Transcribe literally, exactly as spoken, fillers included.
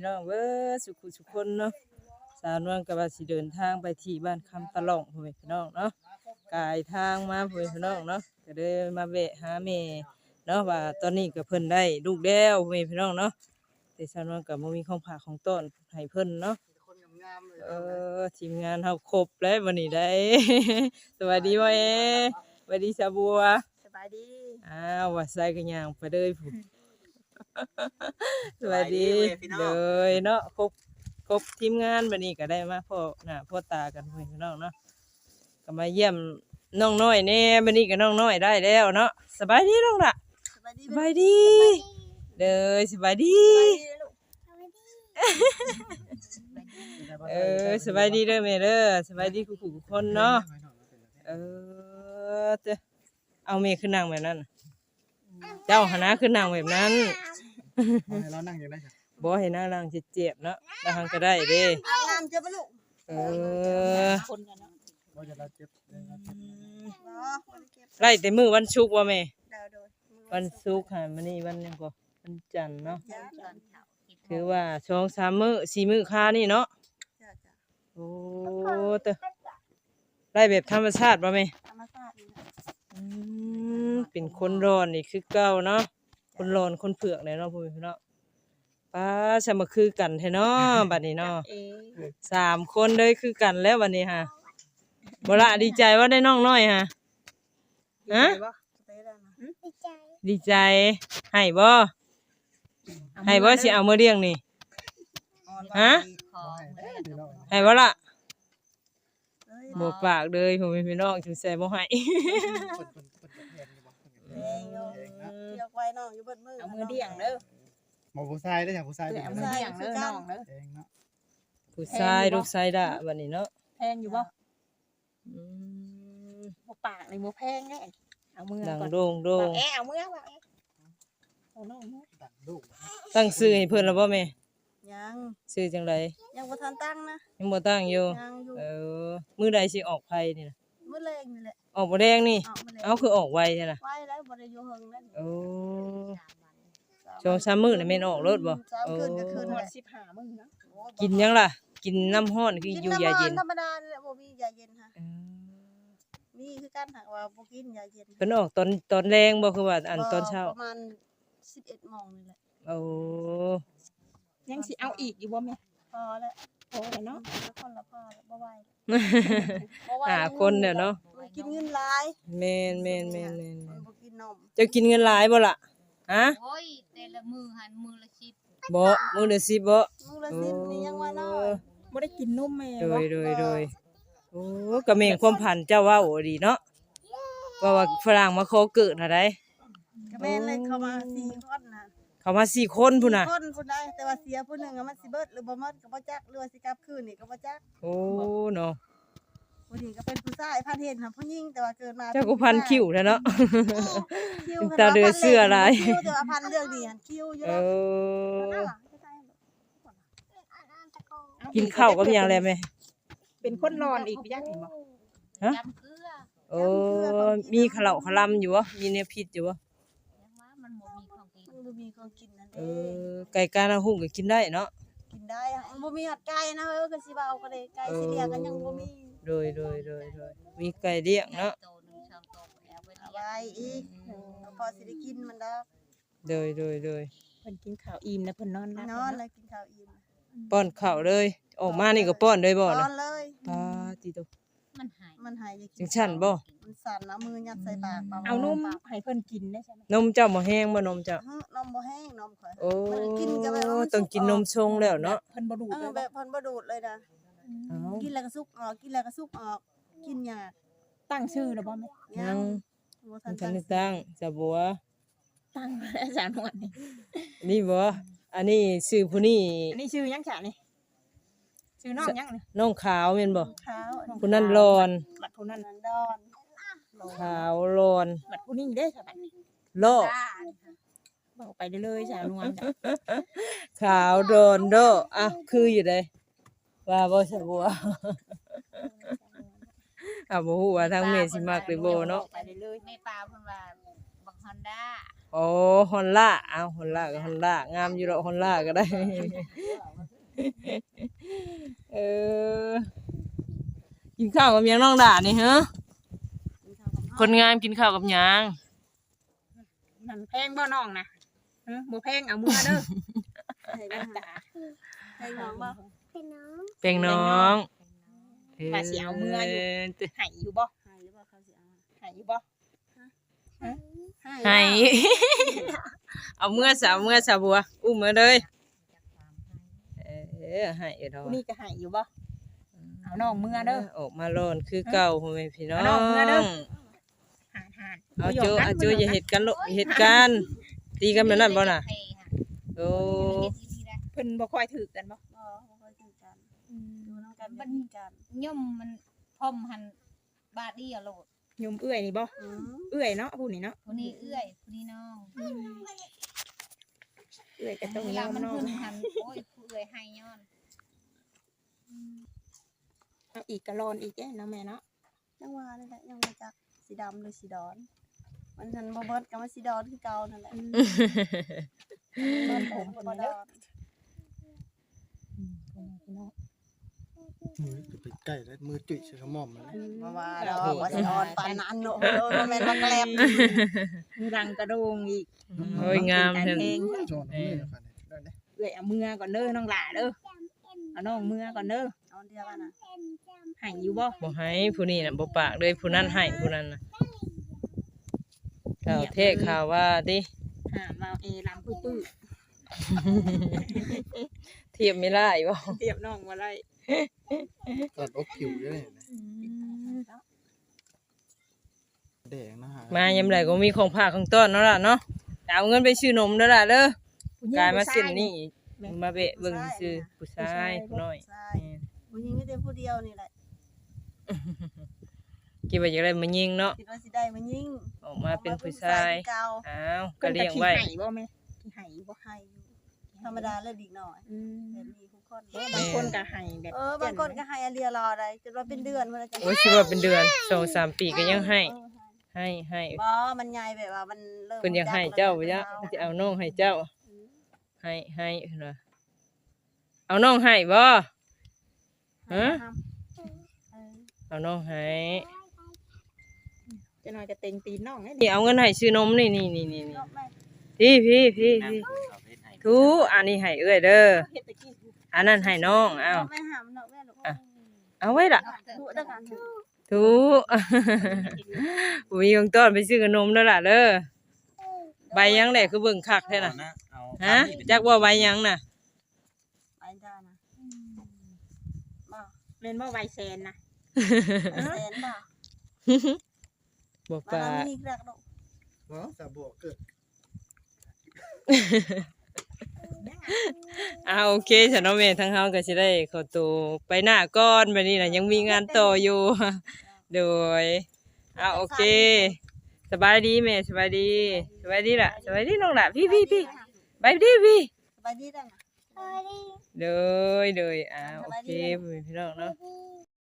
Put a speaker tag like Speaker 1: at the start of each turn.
Speaker 1: พี่น้องเบิดสุขุสุขคนเนาะสาวนวลก็ว่าสิเดินทางไปที่บ้านคำตะล่องพ่อแม่พี่น้องเนาะกายทางมาพ่อแม่พี่น้องเนาะก็เลยมาแวะหาแม่เนาะว่าตอนนี้ก็เพิ่นได้ลูกแล้วพ่อแม่พี่น้องเนาะแต่สาวนวลก็บ่มีของฝากของต้อนให้เพิ่นเนาะเออทีมงานเฮาครบแล้ววันนี้ได้ สวัสดีพ่อเอสวัสดีสาบัว
Speaker 2: สบายดี
Speaker 1: อ้าวว่าใส่กันย่างไปเลยพุ่น สวัสดีเลยเนาะครบครบทีมงานวันนี้ก็ได้มาพ่อหน้าพ่อตากันเพื่อนพี่น้องเนาะก็มาเยี่ยมน้องน้อยแน่วันนี้ก็น้องน้อยได้แล้วเนาะสบายดีน้องละสบายดีสบายดีเลยสบายดีเออสบายดีเด้อแม่เด้อสบายดีทุกคนเนาะเออเจ้าเอาแม่ขึ้นนั่งแบบนั้นเจ้าหน้าขึ้นนั่งแบบนั้น
Speaker 3: ให้เรานั่งอย่างไรครับ
Speaker 1: บ่ให้นั่งนั่งเจ็บๆเนาะนั่งก็ได้เด้
Speaker 2: น้ำเจ็บปะลูก
Speaker 1: เออ
Speaker 3: บ่จะเราเจ็บเราเจ็บ
Speaker 1: ไล่แต่มื้อวันศุกร์ว่าแม่วันศุกร์ค่ะมื้อนี้วันหยังก็วันจันทร์เนาะถือว่าสองสามมื้อสี่มื้อค่านี่เนาะโอ้เตอไล่แบบธรรมชาติบ่แม่
Speaker 2: ธรรมชาติ
Speaker 1: อืมเป็นคนร้อนนี่คือเก่าเนาะคนร้อนคนเผือกเลยเนาะพ่อพี่เนาะป้าสามัคคือกันแท้เนาะบัดนี้เนาะสามคนเลยคือกันแล้ววันนี้ฮะบ่ละดีใจว่าได้น้องน้อยฮะฮะดีใจให้บ่ให้บ่สิเอามาเลี้ยงนี่ฮะให้บ่ล่ะบ่ปากเลยพ่อพี่น้องถึงใส่บ่ให้
Speaker 2: เดี๋ยวไว้น้องอยู่เบิดมือเอามือเดี่ยงเด้อ
Speaker 3: หมอผู้ชายได้จ้ะผู้ชาย
Speaker 2: เอามือเดี่ยงเด้อน้องเด้อ
Speaker 3: เองเนาะ
Speaker 1: ผู้ชายลูกชายด่าบัดนี้เนาะ
Speaker 2: แพงอยู่บ่อืมบ่ปากนี่บ่แพงแน่เอามือ
Speaker 1: ก่อนดังโด่ง
Speaker 2: ๆแอะเอามือว่าเอาน้องมือ
Speaker 3: ดังลูก
Speaker 1: ตั้งชื่อให้เพิ่นแล้วบ่แม่
Speaker 2: ยัง
Speaker 1: ชื่อจังได๋
Speaker 2: ยังบ่ทันตั้งนะ
Speaker 1: ยังบ่ตั้งอยู่
Speaker 2: ยังอยู่
Speaker 1: เออมื้อใดสิออกไผนี่น่ะ
Speaker 2: มื้อแรงนี่แหละ
Speaker 1: ออกบ่แดงนี่เอ้าคือออกไวใช่ล่ะ
Speaker 2: ไวแล้วบ่ได้อยู่เฮิงนั่น
Speaker 1: โอ้สองสามมื้อน่ะแม่นออกรถบ่
Speaker 2: เออคืนก็คืนฮอดสิบห้ามื้อนะ
Speaker 1: กินยังล่ะกินน้ำร้อนคืออยู่ยาเย็น
Speaker 2: ธรรมดานี่แหละบ่มียาเย็นค่ะมีคือกันหากว่าบ่กินยาเย็น
Speaker 1: เพิ่นออกตอนตอนแรงบ่คือว่าอันตอนเช้า
Speaker 2: ประมาณสิบเอ็ดโมงนี่แหละ
Speaker 1: โอ้
Speaker 2: ยังสิเอาอีกอยู่บ่แม่พอแล้วพอแล้วเนาะคนละพอแล้วบ่ไหว
Speaker 1: หาคนเด้อเนาะ
Speaker 2: กินเงินหลาย
Speaker 1: แม่นๆๆๆ
Speaker 2: บ่กินนม
Speaker 1: เจ้ากินเงินหลายบ่ล่ะฮะ
Speaker 4: โอ้ยแต่ละมื้อหันมื้อละสิบ
Speaker 1: บ่มื้อละสิบบ่
Speaker 2: มื้อละสิบนี่ยังว่าน้อยบ่ได้กินนมแม่
Speaker 1: โดยๆๆโอ้ก็แม่นความพันเจ้าว่าโอ้ดีเนาะว่าว่าฝรั่งมาขอเกิดหาได้
Speaker 2: ก็แม่นเลยเข้ามาสี่คนน่ะ
Speaker 1: เขามาสี่คนพุ่นน่ะ
Speaker 2: คนพุ่นได้แต่ว่าเสียผู้นึงมันสิเบิดหรือบ่หมดก็บ่จักหรือว่าสิกลับคืนนี่ก็บ่จัก
Speaker 1: โอ้เนาะ
Speaker 2: ผู้นี้ก็เป็นผู้ชายพันเห็นค่ะผู้หญิงแต่ว่าเกิดมา
Speaker 1: เจ้าก็พันคิ้วแท้เนาะตาเดือเสื้อหลาย
Speaker 2: คิ้วแต่ว่าพันเรื่องดีหั่นคิ้วอยู่
Speaker 1: เออกินข้าวกับหยังแล้วแม่
Speaker 2: เป็นคนนอนอีกจักเห็นบ่
Speaker 1: ฮะโอ้มีขะเหลาขะลำอยู่บ่มีแนวพิษอยู่บ่
Speaker 4: มันบ่มีของกิน
Speaker 2: มันบ่มีของกินนั่นเ
Speaker 1: ออไก่กานาหุ่งก็กินได้เนาะ
Speaker 2: กินได้มันบ่มีฮอดไก่นะเฮ้อก็สิว่าเอาก็ได้ไก่สิเลี้ยงกันยังบ่มี
Speaker 1: โดยๆๆๆมีไก่เลี้ยงเนาะ
Speaker 2: เอาไว้อีกพอสิได้กินมันดอก
Speaker 1: โดยๆๆ
Speaker 2: เพิ่นกินข้าวอิ่มแล้วเพิ่นนอนนอนเลยกินข้าวอิ่ม
Speaker 1: ป้อนข้าวเลยออกมานี่ก็ป้อนเลยบ่
Speaker 2: นะ
Speaker 1: ป้
Speaker 2: อนเลย
Speaker 1: ปาติโต
Speaker 4: มันหาย
Speaker 2: มันหาย
Speaker 1: จังซั่นบ่
Speaker 2: มันสั่นเอามือยัดใส่ปาก
Speaker 4: เอานมให้เพิ่นกินได้ใช่มั้ย
Speaker 1: นมเจ้าบ่แห้งบ่นมเจ้าน
Speaker 2: มบ่แห้งนมข่อย
Speaker 1: โอ้กินก็แบบต้องกินนมชงแล้วเนาะ
Speaker 2: เพิ่นบ่ดูดเลยแบบเพิ่นบ่ดูดเลยนะกินแล้วก็สุกออกกินแล้วก็สุกออกกินยากตั้งชื่อแล้วบ่แม่
Speaker 1: ยังบ่ทันตั้งจะบัว
Speaker 4: ตั้งอาจารย์นวดนี่
Speaker 1: นี่บ่อันนี้ชื่อผู้นี้
Speaker 2: อันนี้ชื่อหยังจ้ะนี่ชื่อน้องหยังนี่
Speaker 1: น้องขาวแม่นบ่
Speaker 2: ขาว
Speaker 1: ผู้นั้นร้อน
Speaker 2: บัดผู้นั้นดอน
Speaker 1: ขาวร้อน
Speaker 2: บัดผู้นี้เด้ซะบัดนี้
Speaker 1: โล
Speaker 2: บอกไปเลยจ้ะนวลจ้ะ
Speaker 1: ขาวร้อนโดอ่ะคืออยู่เด้ว่าบ่ซะบัวอ่ะบ่ฮู้ว่าทางแม่สิมักหรือบ่เนาะ
Speaker 4: ไปเลยแม่ปลาเพิ่นว่าบักฮอนด้า
Speaker 1: โอ้ฮอนล่าเอาฮอนล่าก็ฮอนล่างามอยู่ดอกฮอนล่าก็ได้ เออกินข้าวกับหยังน้องด่านี่ฮะคนงามกินข้าวกับหยัง
Speaker 4: มันแพงบ่น้องนะเออบ่แพงเอามือเด้อ
Speaker 2: ให้ได้หาให้น้องบ่
Speaker 1: เป็นน้อง
Speaker 4: ว่าสิเอามืออยู่ให้อยู่บ่
Speaker 2: ให้หรือบ่เขาสิเอา
Speaker 4: ให้อยู่บ่
Speaker 1: ให้ เอาเมื่อสาวเมื่อสาวบัวอุ้มมาเลยเออให้เด้อ
Speaker 4: ผู้นี้ก็ให้อยู่บ่เอาน้องมือเด้อ
Speaker 1: ออกมาโลนคือเก่าพ่อแม่พี่น้อง
Speaker 4: เอาน้องเมื่อเด้อ หานหาน
Speaker 1: เอาโจเอาโจอย่าเฮ็ดกันลูกอย่าเฮ็ดกันตีกันแบบนั้นบ่น่ะโอ้
Speaker 4: เพิ่นบ่ค่อยถือกันบ่
Speaker 2: บ่บ่ค่อยถือกันดูน้องกันบ่ถือกัน
Speaker 5: ย่อมมันพร้อมหันบาดเดียวโลด
Speaker 4: ยมเอื้อยนี่บ่
Speaker 2: อืม
Speaker 4: เอื้อยเนาะผู้นี้เนาะ
Speaker 5: ผู้นี้เอื้อยผู้นี้น้อง
Speaker 4: เอื้อยก็ต้อง
Speaker 5: เวย ลา
Speaker 4: อม
Speaker 5: มัน
Speaker 4: น้อง
Speaker 5: เพิ่นหันโอ้ยผู้เอื้อยให้ย้อน
Speaker 4: เอาอีกกะลอนอีกเด้เนาะแม่เนาะ
Speaker 2: จังว่านี่แหละยังบ่จักสีดำหรือสีดอนมันทันบ่เบิดก็ว่าสีดอนคือเก่านั่นแหละเบิดผมบ่ดอน
Speaker 3: มือจะไปใกล้แล้วมือจุ๋ยใส่ขมอมแล้ว
Speaker 2: บ่ว่าดอกว่าสิอ่อนปานนั้นเนาะเออบ่แม่นว่าแกลบ
Speaker 4: มีรังกระโดงอีก
Speaker 1: โอ้ยงาม
Speaker 4: แต่
Speaker 1: เพิ่น
Speaker 4: เพลง
Speaker 3: โจนมือกันได้ได้
Speaker 4: เอื้อยเอามือก่อนเด้อน้องหล่าเด้อเอาน้องมือก่อนเด้อ
Speaker 2: เอาเดียวกันน่ะ
Speaker 4: ให้อยู่บ่
Speaker 1: บ่ให้ผู้นี้น่ะบ่ปากเลยผู้นั้นให้ผู้นั้นน่ะข่าวเทศข่าวว่าติ
Speaker 4: หามาเอลำปื้อ
Speaker 1: เทียบไม่ได้บ่
Speaker 4: ๆเทียบน้องบ่ได้
Speaker 3: ตัดอกผิวด้วยแดงนะฮะ
Speaker 1: มายามใดก็มีของฝากของต้อนเนาะล่ะเนาะเอาเงินไปซื้อนมเด้อล่ะเด้อกลายมาเส้นนี้อีกมาเบะเบิ่งซื่อผู้ชายผู้น้อย
Speaker 2: ใช่ผู้หญิงมีแต่ผู้เดียวนี่แหละ
Speaker 1: คิดว่าอยากได้มายิงเนาะ
Speaker 2: คิดว่าสิได้มันยิ่ง
Speaker 1: ออกมาเป็นผู้ชาย
Speaker 2: เก่า
Speaker 1: อ้าวก็เลี้ยงไว้
Speaker 4: พิ่นก็ขี้ให้บ่แม่ขี้ให้บ่
Speaker 2: ให้อยู่ธรรมดาเลยดีหน่อย
Speaker 4: อืม
Speaker 2: แบบนี้ทุกคน
Speaker 4: บางคนก็ให้แบบ
Speaker 2: เออบางคนก็ให้อาเรียรอได้จนว่าเป็นเดือนเพิ่นจะ
Speaker 1: โอ้ยสิว่าเป็นเดือนสองสามปีก็ยังให้ ให้ให้
Speaker 2: บ่มันใหญ่แบบว่ามันเริ่ม
Speaker 1: เพิ่นอยากให้เจ้าบ่จ๊ะจะเอาน้องให้เจ้า ให้ให้เพิ่นว่าเอาน้องให้บ่ฮะเอาน้องให้
Speaker 4: จะน้อยจะเต็งตีนน้องให้
Speaker 1: นี่เอาเงินให้ซื้อนมนี่นี่นี่นี่นี่พี่พี่พี่พี่ทูอันนี้ให้เอ้ยเด้อ
Speaker 4: เฮ็ดตะกี้
Speaker 1: อันนั้นให้น้องเอา
Speaker 2: ไม่หามเนาะแม่ลูก
Speaker 1: เอาไว้ล่ะ
Speaker 2: ดูตะกัน
Speaker 1: ทู มีของต้อนไปซื้อขนมเด้อล่ะเด้อใบยังแหละคือเบิ่งคักแท้น่ะฮะจักว่าใบยังน่ะ
Speaker 2: ไปจ้านะบ่
Speaker 4: แม่นบ่ไวแซนนะ
Speaker 2: แสนบ่
Speaker 1: บ่
Speaker 2: มา
Speaker 1: ปา
Speaker 2: แล้วมีกระดก
Speaker 3: เนาะสาบวกเกิด
Speaker 1: อ่าโอเคฉันเนาะแม่ทั้งเฮาก็สิได้ขอตัวไปหน้าก่อนบัดนี้น่ะยังมีงานต่ออยู่ โดยอ่าโอเค สบายดีแม่สบายดีสบายดีล่ะสบายดีน้องล่ะพี่พี่พี่ไปดีพี่
Speaker 2: สบายดีจัง
Speaker 1: เลยเลยอ่าโอเคพี่น้องเนาะ
Speaker 2: ส